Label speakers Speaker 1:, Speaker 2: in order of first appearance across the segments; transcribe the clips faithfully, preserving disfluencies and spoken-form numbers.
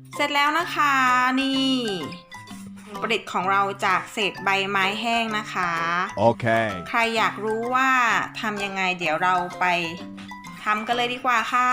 Speaker 1: เสร็จแล้วนะคะนี่ประดิษฐ์ของเราจากเศษใบไม้แห้งนะคะ
Speaker 2: โอเค
Speaker 1: ใครอยากรู้ว่าทำยังไงเดี๋ยวเราไปทำกันเลยดีกว่าค่ะ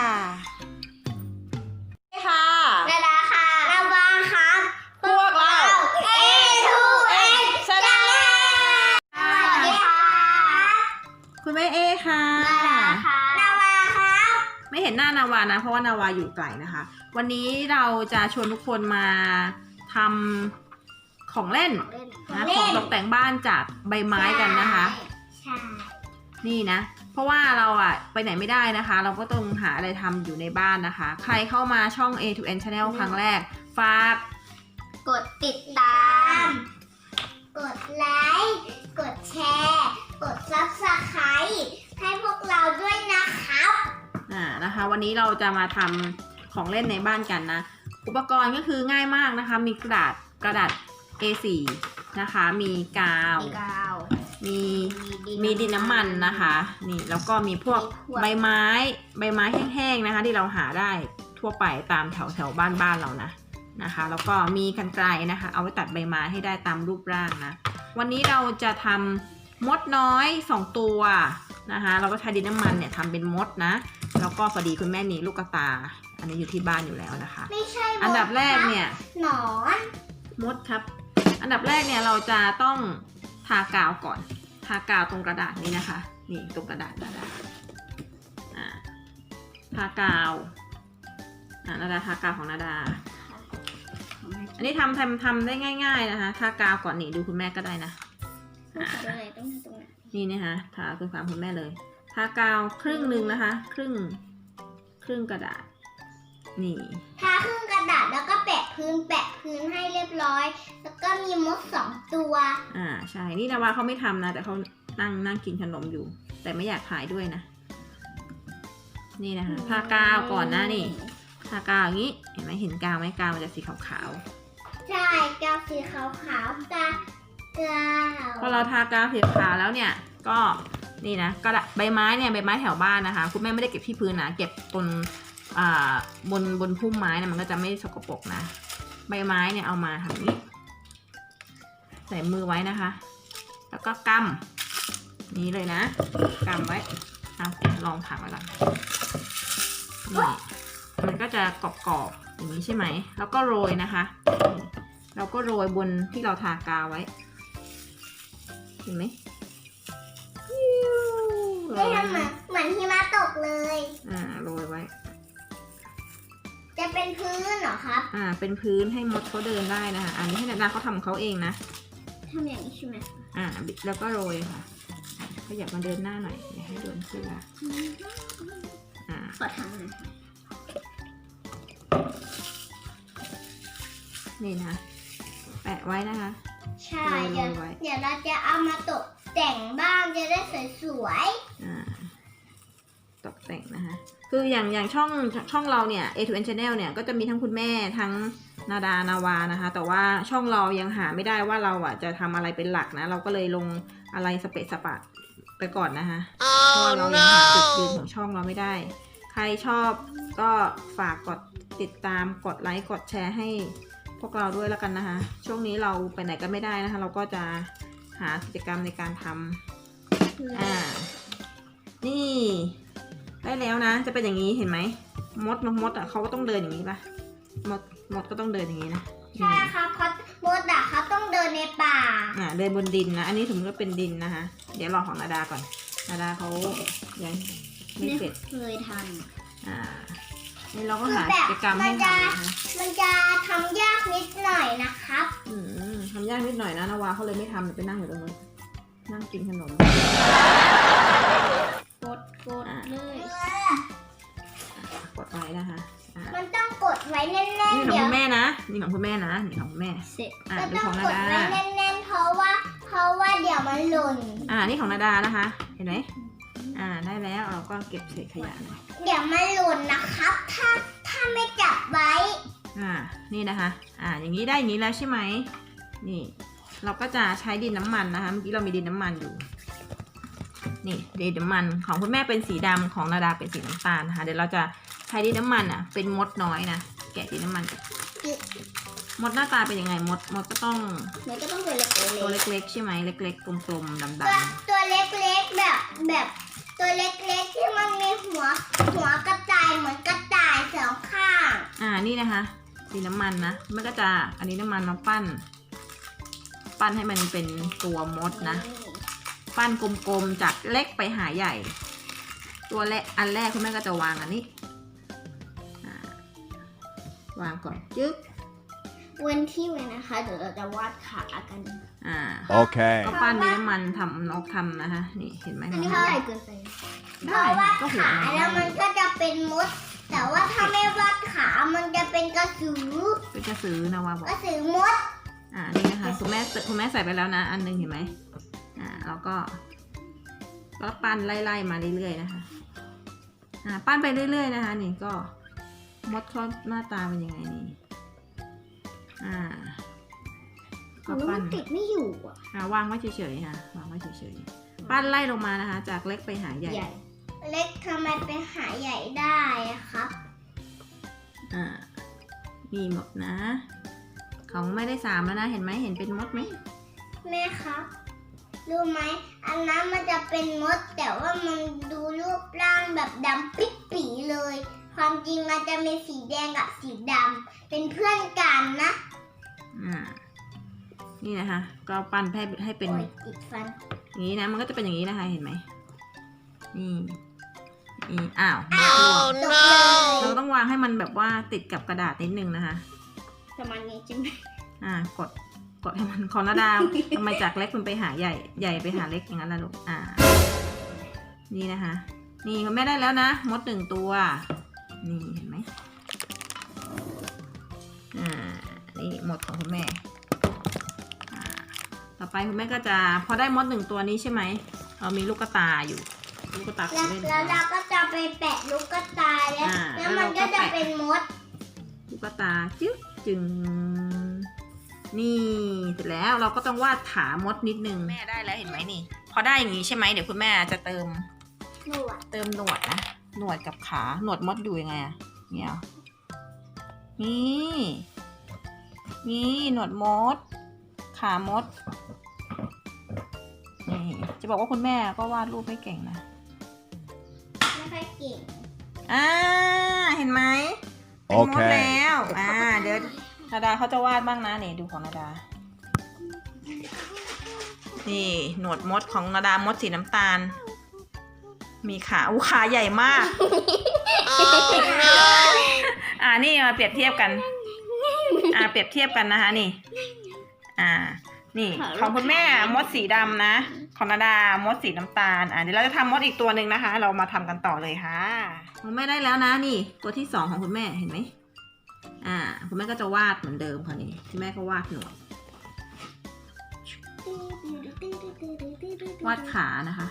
Speaker 1: ค่ะ
Speaker 3: นาดาค่ะนาวาครับ
Speaker 1: พวกเรา
Speaker 3: เอ ทู เอ็น
Speaker 1: ชาแนล
Speaker 3: สวัสดีค่ะ
Speaker 1: คุณแม่เอค่ะ
Speaker 3: นาดาค่ะนาวาครับ
Speaker 1: ไม่เห็นหน้านาวานะเพราะว่านาวาอยู่ไกลนะคะ วันนี้เราจะชวนทุกคนมาทำของเล่นนะของตกแต่งบ้านจากใบไม้กันนะคะ
Speaker 3: ใช่
Speaker 1: นี่นะ เพราะว่าเราอะไปไหนไม่ได้นะคะ เราก็ต้องหาอะไรทำอยู่ในบ้านนะคะ ใครเข้ามาช่อง เอ ทู เอ็น Channel ครั้งแรกฝาก
Speaker 3: กดติดตาม กดไลค์ กดแชร์ กด ซับสไครบ์ ให้พวกเราด้วยนะครับ
Speaker 1: อ่านะคะ วันนี้เราจะมาทำของเล่นในบ้านกันนะ อุปกรณ์ก็คือง่ายมากนะคะ มีกระดาษกระดาษ เอ โฟร์ นะคะ มีกาว
Speaker 3: มีกาว
Speaker 1: มีมีดินน้ำมันนะคะ นี่แล้วก็มีพวก
Speaker 3: มีขวด
Speaker 1: ใบไม้ใบไม้แห้งๆนะคะ ที่เราหาได้ทั่วไปตามแถวแถวบ้านบ้านเรานะนะคะ แล้วก็มีกรรไกรนะคะ เอาไว้ตัดใบไม้ให้ได้ตามรูปร่างนะ วันนี้เราจะทำมดน้อยสองตัวนะคะ เราก็ใช้ดินน้ำมันเนี่ยทำเป็นมดนะแล้วก็พอดีคุณแม่มีลูกกระตา อันนี้อยู่ที่บ้านอยู่แล้วนะคะ
Speaker 3: ไม่ใช่มด
Speaker 1: อันดับแรกเนี่ย
Speaker 3: หนอน
Speaker 1: มดครับ อันดับแรกเนี่ยเราจะต้องทากาวก่อน ทากาวตรงกระดาษนี้นะคะ นี่ตรงกระดาษนาดาอ่าทากาวอ่านาดาทากาวของนาดา อันนี้ทำทำทำได้ง่าย ๆนะคะ ทากาวก่อนนี่ดูคุณแม่ก็ได้นะอ่า
Speaker 3: อะไรต้องทำตรงไหน
Speaker 1: นี่นะคะทาคุณสามคุณแม่เลย ทากาวครึ่งหนึ่งนะคะ ครึ่งครึ่งกระดาษ นี่
Speaker 3: ทาครึ่งกระดาษแล้วก็แปะพื้นแปะพื้นให้เรียบร้อย แล้วก็มีมดสองตัว
Speaker 1: อ่าใช่ นี่นาวาเขาไม่ทำนะ แต่เขานั่งนั่งกินขนมอยู่ แต่ไม่อยากถ่ายด้วยนะ นี่นะคะ ทากาวก่อนนะนี่ ทากาวอย่างนี้ เห็นไหมเห็นกาวไหมกาวมันจะสีขาว
Speaker 3: ใช่กาวสีขาวขาวๆกากาว
Speaker 1: ๆพอเราทากาวสีขาวแล้วเนี่ย ก็นี่นะกระดาษใบไม้เนี่ยใบไม้แถวบ้านนะคะ คุณแม่ไม่ได้เก็บที่พื้นนะ เก็บบนอ่าบนบนพุ่มไม้นะมันก็จะไม่สกปรกนะ ใบไม้เนี่ยเอามาทำอย่างนี้ ใส่มือไว้นะคะ แล้วก็กำนี้เลยนะกำไว้เอาลองผักไว้ก่อนนี่มันก็จะกรอบๆอย่างนี้ใช่ไหมแล้วก็โรยนะคะเราก็โรยบนที่เราทากาวไว้เห็นไหมโร
Speaker 3: ได้
Speaker 1: ย
Speaker 3: ทำเหมือนเหมือนหิมะตกเลย
Speaker 1: อ่าโรยไว้
Speaker 3: จะเป็นพื้นเหรอครับ
Speaker 1: อ่าเป็นพื้นให้มดเขาเดินได้นะคะอันนี้ให้นาดาเขาทำของเขาเองนะ
Speaker 3: ทำอย่างนี้ใช่ไหม
Speaker 1: อ่าบิดแล้วก็โรยค่ะขยับมาเดินหน้าหน่อยอย่าให้โดนเสื้ออ่า
Speaker 3: ขอทำหน่อย
Speaker 1: นี่นะแปะไว้นะคะ
Speaker 3: ใช่เดี๋ยว
Speaker 1: โรยไว้
Speaker 3: เดี๋ยวเราจะเอามาตกแต่งบ้านจะได้สวย
Speaker 1: อ่าตกแต่งนะคะคืออย่างอย่างช่องช่องเราเนี่ย เอ ทู เอ็น Channel เนี่ยก็จะมีทั้งคุณแม่ทั้งนาดานาวานะคะ แต่ว่าช่องเรายังหาไม่ได้ว่าเราอ่ะจะทำอะไรเป็นหลักนะเราก็เลยลงอะไรสเปะสปะไปก่อนนะคะเพราะว่าเรายังหาจุดยืนของช่องเราไม่ได้ ใครชอบก็ฝากกดติดตามกดไลค์กดแชร์ให้พวกเราด้วยแล้วกันนะคะ ช่วงนี้เราไปไหนก็ไม่ได้นะคะ เราก็จะหากิจกรรมในการทำอ่า นี่ได้แล้วนะ จะเป็นอย่างนี้เห็นไหมมดมดอ่ะเขาก็ต้องเดินอย่างนี้ป่ะมดมดก็ต้องเดินอย่างนี้นะ
Speaker 3: ๆ ใช่ครับเพราะมดอะเขาต้องเดินในป่า
Speaker 1: อ่าเดินบนดินนะ อันนี้สมมติว่าเป็นดินนะคะ เดี๋ยวรอของนาดาก่อนนาดาเขายังไม่เสร็จ
Speaker 3: เคยท
Speaker 1: อ่านี่เราก็หา
Speaker 3: คือแบบ
Speaker 1: กิจกรรมให้
Speaker 3: มันจะ
Speaker 1: ทำนะคะ
Speaker 3: ำมันจะทำยากนิดหน่อยนะครับ
Speaker 1: อืมทำยากนิดหน่อยนะนาวาเขาเลยไม่ทำไปนั่งอยู่ตรงนู้นนั่งกินขนม
Speaker 3: กดกดเลย
Speaker 1: กดไว้นะคะอ่า
Speaker 3: มันต้องกดไว้แน่น
Speaker 1: นี่
Speaker 3: ๆ
Speaker 1: ของ
Speaker 3: เดี๋ยว
Speaker 1: คุณแม่นะนี่ของคุณแม่นะนี่ของคุณแม่
Speaker 3: เสร็จ
Speaker 1: อ่า
Speaker 3: ก็
Speaker 1: ดู
Speaker 3: ต้อ
Speaker 1: ของ ง
Speaker 3: ก
Speaker 1: นา
Speaker 3: ด
Speaker 1: ดา
Speaker 3: ไว้แน่นๆเพราะว่า เพราะว่าเดี๋ยวมันหล่น
Speaker 1: อ่านี่ของนาดานะคะ เห็นไหมอ่าได้แล้วเราก็เก็บเศษขยะหน่อย
Speaker 3: เดี๋ยวมันหล่นนะครับ ถ้าถ้าไม่จับไว้
Speaker 1: อ่านี่นะคะอ่าอย่างนี้ได้อย่างนี้แล้วใช่ไหมนี่เราก็จะใช้ดินน้ำมันนะคะเมื่อกี้เรามีดินน้ำมันอยู่นี่ดินน้ำมันของคุณแม่เป็นสีดำของนาดาเป็นสีน้ำตาลนะคะเดี๋ยวเราจะใช้ดินน้ำมันอ่ะเป็นมดน้อยนะแกะสีน้ำมันก่อน
Speaker 3: จึ๊ก
Speaker 1: มดหน้าตาเป็นยังไงมดมดก็ต้อง
Speaker 3: มันก็ต้องตัวเล็ก
Speaker 1: ตัวเล็กๆใช่ไหมเล็กๆกลมๆดำ
Speaker 3: ตัวตัวเล็กๆแบบแบบตัวเล็กๆที่มันมีหัวหัวกระต่ายเหมือนกระต่ายสองข้าง
Speaker 1: ๆอ่านี่นะคะสีน้ำมันนะมันก็จะอันนี้น้ำมันมาปั้น ปั้นให้มันเป็นตัวมดนะ ปั้นกลมๆจากเล็กไปหาใหญ่ ตัวแรกอันแรกคุณแม่ก็จะวางอันนี้อ่าวางก่อนจึ๊ก
Speaker 3: เว้นที่ไว้นะคะเดี๋ยวเราจะวาดขากัน
Speaker 1: อ่า
Speaker 2: Okay.
Speaker 1: ก็ปั้นนี้น้ำมันทำนกทำนะคะนี่เห็นไหม
Speaker 3: อันนี้เท่าไหร่เกินไปเพ
Speaker 1: ได้
Speaker 3: ราะว่า
Speaker 1: ก็หัว
Speaker 3: ขาแล้วมันก็จะเป็นมด แต่ว่าถ้าไม่วาดขา มันจะเป็นกระสือ
Speaker 1: เป็นกระสือนาวาบอก
Speaker 3: กระสือมด
Speaker 1: อ่านี่นะคะคุณแม่คุณแม่ใส่ไปแล้วนะ อันหนึงเห็นไหมอ่าแล้วก็ก็ปั้นไล่ๆมาเรื่อยๆนะคะอ่าปั้นไปเรื่อยๆนะคะ นี่ก็มดเขาหน้าตาเป็นยังไงนี่อ่าก็ปั้น
Speaker 3: ติดไม่อยู่อ่ะ
Speaker 1: อ่าวางไว้เฉยๆค่ะวางไว้เฉยๆปั้นไล่ลงมานะคะ จากเล็กไปหาใหญ่
Speaker 3: เล็กทำไมเป็นหาใหญ่ได้อะครับ
Speaker 1: อ่ามีหมดนะ ของไม่ได้สามแล้วนะเห็นไหมเห็นเป็นมดไหม
Speaker 3: แม่ครับรู้ไหมอันนั้นมันจะเป็นมด แต่ว่ามันดูรูปร่างแบบดำปิ๊ดปีเลย ความจริงมันจะมีสีแดงกับสีดำเป็นเพื่อนกันนะ
Speaker 1: อ่านี่นะคะ ก็ปั้นให้ให้เป็น
Speaker 3: โอ้ยติดฟัน
Speaker 1: อย่างนี้นะมันก็จะเป็นอย่างนี้นะคะเห็นไหมนี่นี่อ้าว
Speaker 3: อ้าวตกเลย
Speaker 1: เราต้องวางให้มันแบบว่าติดกับกระดาษนิดนึงนะคะ
Speaker 3: ประมาณนี้ใช่ไหม
Speaker 1: อ่ากดกดให้มันคอนาดาว ทำไมจากเล็กมันไปหาใหญ่ใหญ่ไปหาเล็กอย่างนั้นล่ะลูกอ่า นี่นะคะ นี่คุณแม่ได้แล้วนะมดหนึ่งตัว นี่เห็นไหมอ่านี่หมดของคุณแม่อ่าต่อไปคุณแม่ก็จะพอได้มดหนึ่งตัวนี้ใช่ไหมเรามีลูกกระตายอยู่ ลูกกระตาของ
Speaker 3: แล้ว
Speaker 1: เล่น
Speaker 3: แล้วเราก็จะไปแปะลูกกระตายแล้ว
Speaker 1: อ่า
Speaker 3: แล้วมันก็จะเป็นมด
Speaker 1: ลูกกระตาจึ๊กจึงนี่เสร็จแล้วเราก็ต้องวาดขามดนิดนึงแม่ได้แล้วเห็นไหมนี่ พอได้อย่างนี้ใช่ไหมเดี๋ยวคุณแม่จะเติม
Speaker 3: หนวด
Speaker 1: เติมหนวดนะหนวดกับขาหนวดมดอยู่ยังไงอะเนี่ยเหรอนี่นี่หนวดมด ขามดนี่จะบอกว่าคุณแม่ก็วาดรูปไม่เก่งนะ
Speaker 3: ไม่ค่อยเก่ง
Speaker 1: อ่าเห็นไหมเป็นมดแล้วอ่าเดี๋ยวนาดาเขาจะวาดบ้างนะนี่ดูของนาดา นี่หนวดมดของนาดามดสีน้ำตาล มีขาอู้ขาใหญ่มาก อ่านี่มาเปรียบเทียบกัน อ่าเปรียบเทียบกันนะคะนี่ อ่า นี่ของคุณแม่มดสีดำนะ ของนาดามดสีน้ำตาล อ่าเดี๋ยวเราจะทำมดอีกตัวหนึ่งนะคะ เรามาทำกันต่อเลยค่ะของแม่ได้แล้วนะนี่ ตัวที่สองของคุณแม่เห็นไหมอ่า คุณแม่ก็จะวาดเหมือนเดิมค่ะนี่คุณแม่ก็วาดหนวด วาดขานะคะ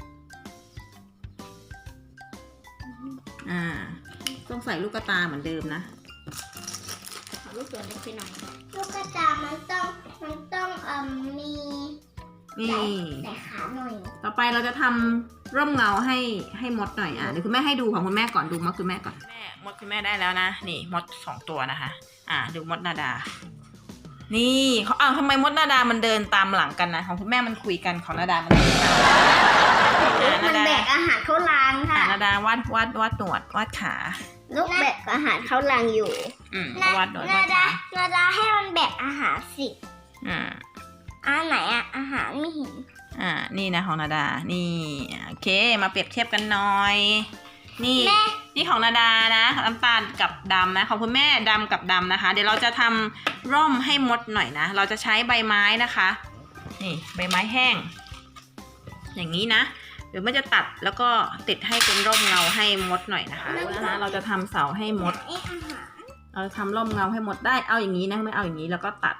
Speaker 1: อ่า ต้องใส่ลูกกระตาเหมือนเดิมนะ
Speaker 3: ขอลูกส่วนเล็กไปหน่อยลูกกระตายมันต้องมันต้องเอ่มมี
Speaker 1: นี่
Speaker 3: แต่ขาหน่อย
Speaker 1: ต่อไปเราจะทำร่มเงาให้ให้มดหน่อยอ่ะเดี๋ยวคุณแม่ให้ดูของคุณแม่ก่อนดูมดคุณแม่ก่อนแม่มดคุณแม่ได้แล้วนะนี่มดสองตัวนะคะ อ่าดูมดนาดา นี่เขาอ้าวทำไมมดนาดามันเดินตามหลังกันนะของคุณแม่มันคุยกันของนาดามันเดินตามอ่า
Speaker 3: มั
Speaker 1: นานดา
Speaker 3: แบกอาหารเข้ารัง
Speaker 1: อ่า
Speaker 3: ค่ะ
Speaker 1: นาดาวาดวาดวาดหนวดวาดขา
Speaker 3: ลูกแบกอาหารเข้ารังอยู่
Speaker 1: อืมวาดหนวดวาด
Speaker 3: ดา
Speaker 1: ขา
Speaker 3: นาดาให้มันแบกอาหารสิ
Speaker 1: อ่า
Speaker 3: อันไหนอะอาหารไม่เห็น
Speaker 1: อ่า นี่นะของนาดา นี่โอเค มาเปรียบเทียบกันหน่อย นี่
Speaker 3: แม่
Speaker 1: นี่ของนาดานะน้ำตาลกับดำนะ ของคุณแม่ดำกับดำนะคะ เดี๋ยวเราจะทำร่มให้มดหน่อยนะ เราจะใช้ใบไม้นะคะ นี่ใบไม้แห้ง อย่างนี้นะ เดี๋ยวมันจะตัดแล้วก็ติดให้เป็นร่มเงาให้มดหน่อยนะคะนะคะเราจะทำเสาให้มด
Speaker 3: ไออาหาร
Speaker 1: เราจะทำร่มเงาให้มดได้ เอาอย่างนี้นะไม่เอาอย่างนี้แล้วก็ตัด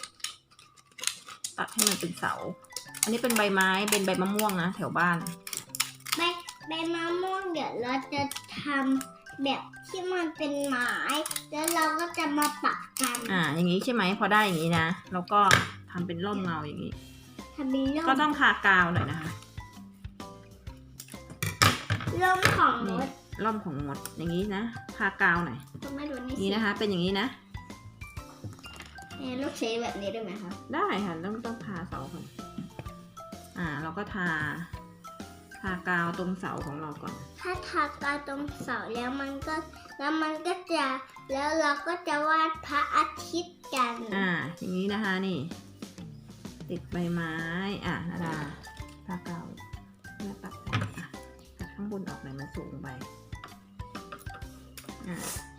Speaker 1: ตัดให้มันเป็นเสา อันนี้เป็นใบไม้เป็นใบมะม่วงนะแถวบ้าน
Speaker 3: ใบใบมะม่วงเดี๋ยวเราจะทำแบบที่มันเป็นไม้แล้วเราก็จะมาปักกัน
Speaker 1: อ่า อย่างนี้ใช่ไหมพอได้อย่างนี้นะแล้วก็ทำเป็นร่มเงาอย่างนี้
Speaker 3: ทำเป็นร่
Speaker 1: ก็
Speaker 3: ม
Speaker 1: ต้องทากาวหน่อยนะคะ
Speaker 3: ร่มของมด
Speaker 1: ร่มของมดอย่างนี้นะทากาวหน่อย
Speaker 3: ต้องไม่รู้นี่
Speaker 1: นี่นะคะ เป็นอย่างนี้นะ
Speaker 3: นี่ลูกเชฟแบบนี้ได้ไหมคะ
Speaker 1: ได้ค่ะต้องต้องทาเสาก่อนอ่า เราก็ทา ทากาวตรงเสาของเราก่อน
Speaker 3: ถ้าทากาวตรงเสาแล้วมันก็แล้วมันก็จะแล้วเราก็จะวาดพระอาทิตย์กัน
Speaker 1: อ่า อย่างนี้นะคะนี่ ติดใบไม้ อ่ะนาดาทากาวเพื่อตัดแต่งอ่ะตัดข้างบนออกหน่อยมันสูงไปอ่า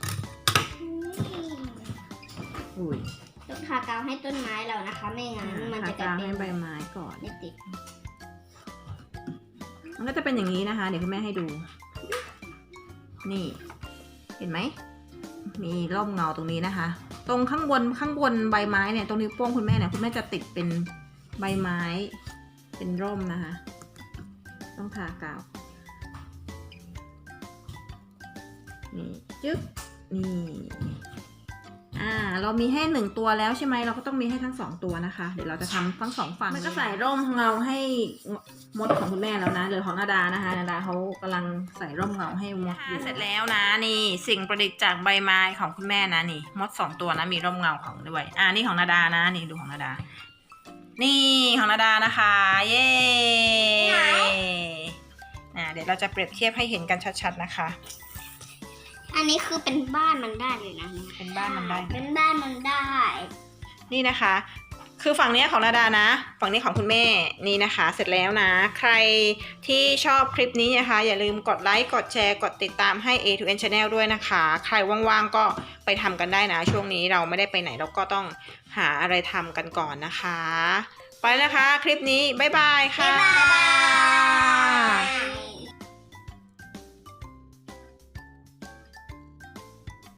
Speaker 1: อุ้ย
Speaker 3: ต้องทากาวให้ต้นไม้เรานะคะ ไม่งั้นมัน
Speaker 1: ทา
Speaker 3: จะกลาย
Speaker 1: กาว
Speaker 3: เป็น
Speaker 1: ให้ใบไม้ก่อน
Speaker 3: ไม่ติด
Speaker 1: มันก็จะเป็นอย่างนี้นะคะ เดี๋ยวคุณแม่ให้ดู นี่ เห็นไหม มีร่มเงาตรงนี้นะคะ ตรงข้างบนข้างบนใบไม้เนี่ย ตรงนิ้วโป้งคุณแม่เนี่ย คุณแม่จะติดเป็นใบไม้ เป็นร่มนะคะ ต้องทากาว นี่จึ๊บ นี่ อ่า เรามีให้หนึ่งตัวแล้วใช่ไหม เราก็ต้องมีให้ทั้งสองตัวนะคะ เดี๋ยวเราจะทำทั้งสองฝั่งมันก็ใส่ร่มของเราให้มดของคุณแม่แล้วนะเหลือของนาดานะคะนาดาเขากำลังใส่ร่มเงาให้มดอยู่เสร็จแล้วนะนี่สิ่งประดิษฐ์จากใบไม้ของคุณแม่นะนี่มดสองตัวนะมีร่มเงาของด้วยอ่านี่ของนาดานะนี่ดูของนาดา นี่ของนาดานะคะ เย้อ่าเดี๋ยวเราจะเปรียบเทียบให้เห็นกันชัดๆนะคะ
Speaker 3: อันนี้คือเป็นบ้านมันได้เลยนะ
Speaker 1: เป็นบ้านมันได้
Speaker 3: เป็นบ้านมันได้
Speaker 1: นี่นะคะ คือฝั่งนี้ของนาดานะ ฝั่งนี้ของคุณแม่ นี่นะคะ เสร็จแล้วนะ ใครที่ชอบคลิปนี้นะคะ อย่าลืมกดไลค์ กดแชร์ กดติดตามให้ เอ ทู เอ็น Channel ด้วยนะคะ ใครว่างๆก็ไปทำกันได้นะ ช่วงนี้เราไม่ได้ไปไหนเราก็ต้องหาอะไรทำกันก่อนนะคะ ไปแล้วนะคะ คลิปนี้ บ๊ายบายค่ะ
Speaker 3: บ๊ายบาย